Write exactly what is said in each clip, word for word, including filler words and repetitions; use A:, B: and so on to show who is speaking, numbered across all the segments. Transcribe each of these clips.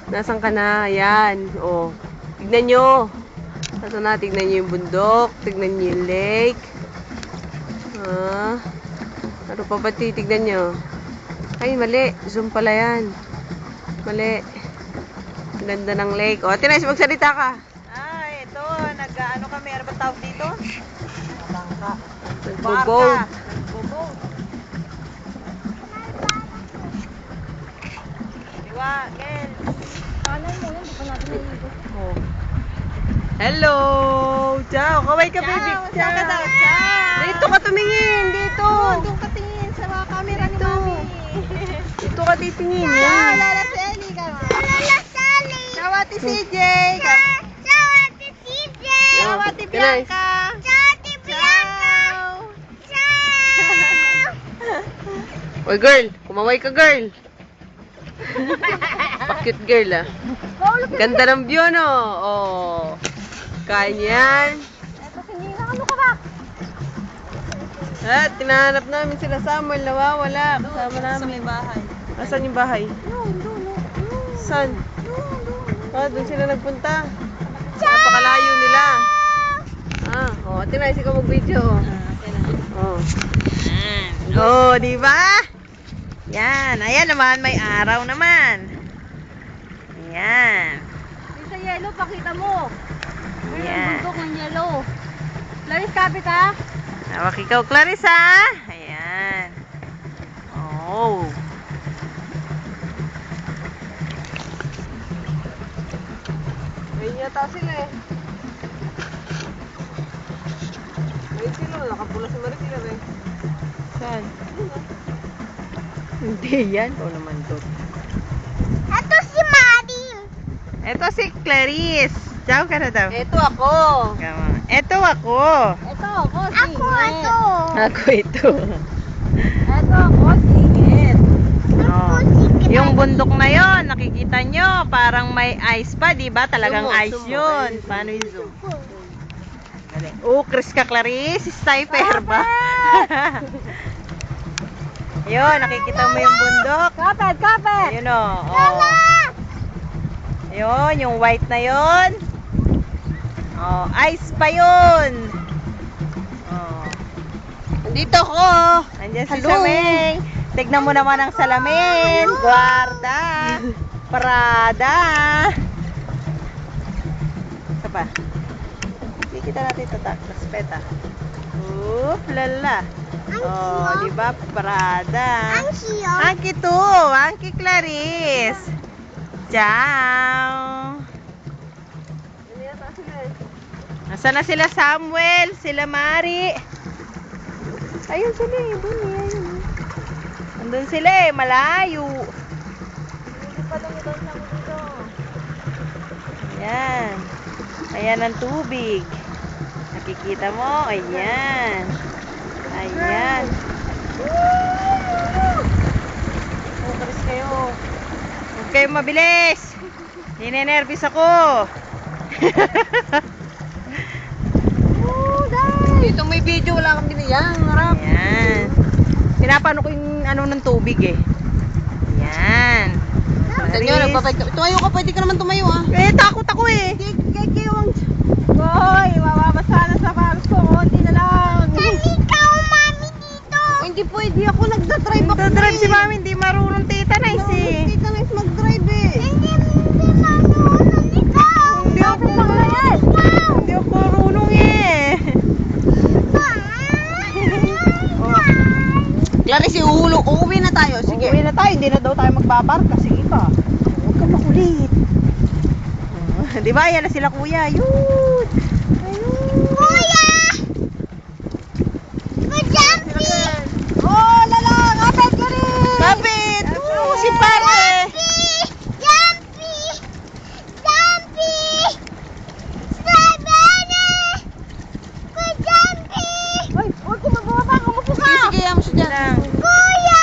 A: Nasaan ka na? Ayan. O. Tignan nyo. Ito na. Tignan nyo yung bundok. Tignan nyo yung lake. Ah. Ano pa ba titignan nyo? Ay, mali. Zoom pala yan. Mali. Ganda ng lake. O, Tinay, magsalita ka.
B: Ay, ito. Nag-ano kami. Ano ba tawag dito? Bangka.
A: Nagbo-boat.
B: Nagbo-boat. Diwa, Ken.
C: Kanan mo yun, di pa natin naliligo.
A: Oh. Hello! Ciao! Kaway ka, baby!
B: Ciao! Ciao ka daw! Ciao!
A: Dito ka tumingin! Dito!
B: Doon ka tingin sa mga camera ni
A: Dito.
B: Mami.
A: Dito ka titingin.
B: Ciao!
A: Yan.
B: Lala Selly ka.
C: Lala Sally!
B: Ciao, Ate C J!
C: Ciao, Ate C J!
B: Ciao, Ate Bianca!
C: Ciao, Ate Bianca!
B: Ciao!
A: Oy, girl! Kumaway ka, girl! Pa-cute girl, ah. Ganda ng view, no? Oh. Kaya niyan.
C: Eto, sinina, ano ka ba?
A: At, tinahanap namin sila Samuel. Nawawala. Kasama
B: Sa
A: namin.
B: may bahay.
A: Asan yung bahay?
C: Yun, doon, doon.
A: Saan?
C: Doon, doon.
A: Ah, doon sila nagpunta. Napakalayo nila. Ah, oh, Tinay, ikaw mag-video. Oh.
B: Oh, di ba? Yan. Ayan naman, may araw naman. Yan.
C: Yung sa yellow, pakita mo. Ayun ang
B: Yan.
C: bundok ng yellow. Laris, kapit ha?
B: Hawak ikaw, Clarissa. Ayan. Oh.
A: Ayun yata sila eh. Ayun sila, nakapula si Maricela eh.
B: Saan? Hindi yan. Ito naman to.
C: Ito si Madim.
B: Ito si Clarice. Ciao ka na daw.
A: Eto ako.
B: Come on. Ito ako.
C: Ito ako, singit. Ako, ito.
B: Ako ito.
C: Ito ako, singit.
B: Oh. Yung bundok na yon, nakikita nyo, parang may ice pa, di ba? Talagang
A: Zoom mo,
B: ice
A: zoom mo.
B: yun.
A: Ayun.
B: Paano yung zoom? Dali. Oh, Chris ka, Clarice. Sniper ba? Yun, nakikita mo yung bundok.
C: Kapit, kapit.
B: Ayun o. Oh. Ayun, yung white na yun. Oh, ice pa yun. Oh.
A: Nandito ako.
B: Andiyan si
A: Hello.
B: Sameng. Tignan mo naman ang salamin. Guarda. Prada. Isa pa. Hindi kita natin tatak. Respeta. Oop, lala. Oh, di ba? Prada.
C: Ang siyo.
B: Angki to. Angki Clarice. Ciao.
A: Ano yata sila eh.
B: Nasaan na sila Samuel? Sila Mari? Ayun sila eh. Doon eh. Ayun. Andun sila eh. Malayo.
C: Hindi pa lang ito sa dito.
B: Ayan. Ayan ang tubig. Nakikita mo? Ayan. Ayan. Focus kayo. Huwag kayong mabilis. Ninenervis ako.
C: Oh, dahil.
A: Dito may video, wala kang binigyan. Harap.
B: Ayan. Pinapano ko yung ano ng tubig eh. Ayan.
A: Tignan nyo, nagpapay ka. Tumayo ka, pwede ka naman tumayo ah.
B: Eh, takot ako eh.
C: Hoy, mababasa na sa pants ko. Konti na lang. Salika, mami, dito.
A: Oh, hindi pwede ako, nagdadrive ako.
B: Nagdadrive si
A: eh.
B: mami, hindi marunong tita nice eh.
A: Hindi ka nice mag-drive eh.
C: Hindi, hindi marunong ikaw.
B: Hindi ako
C: Ikaw.
B: Hindi ako marunong eh.
A: Clarice, uhulo, uuwi na tayo. Sige.
B: Uuwi na tayo, hindi na daw tayo magbabarka. Sige pa. Huwag ka makulit. Oh, di ba? Yan na sila kuya. Yun. Ayun.
C: Kuya! Kujampi!
B: Oh, lala. Kapit ka rin. Kapit. Oh, si pare.
C: Jumpy! Jumpy! Strawberry! Kujumpy!
B: Ay, huwag ko mababa. Kumupo ka.
A: Sige, sige, yaman siya dyan.
B: Lang.
C: Kuya!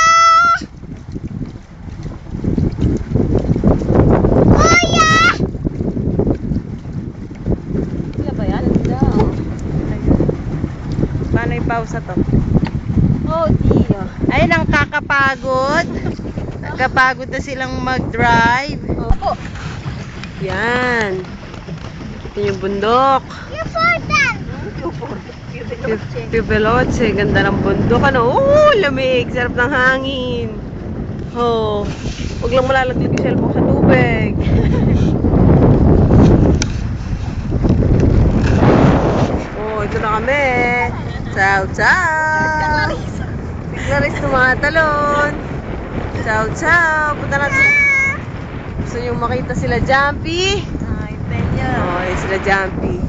C: Kuya!
A: Sila ba yan?
B: Paano i-pause to?
C: Oh, dear.
B: Ayun ang kakapagod. Nagkapagod na silang mag-drive.
A: Opo. Yan. Ito yung bundok. Pibeloche. Ganda ng bundok. Ano? Oh, lamig. Sarap ng hangin. Oh. Huwag lang malalaglag yung cellphone sa tubig. Oh, ito na kami. Ciao, ciao. Si Clarice tumatalon. Ciao, ciao. Punta natin. Gusto nyo makita sila Jumpy?
B: Ay, Peña.
A: Oh, yun sila Jumpy.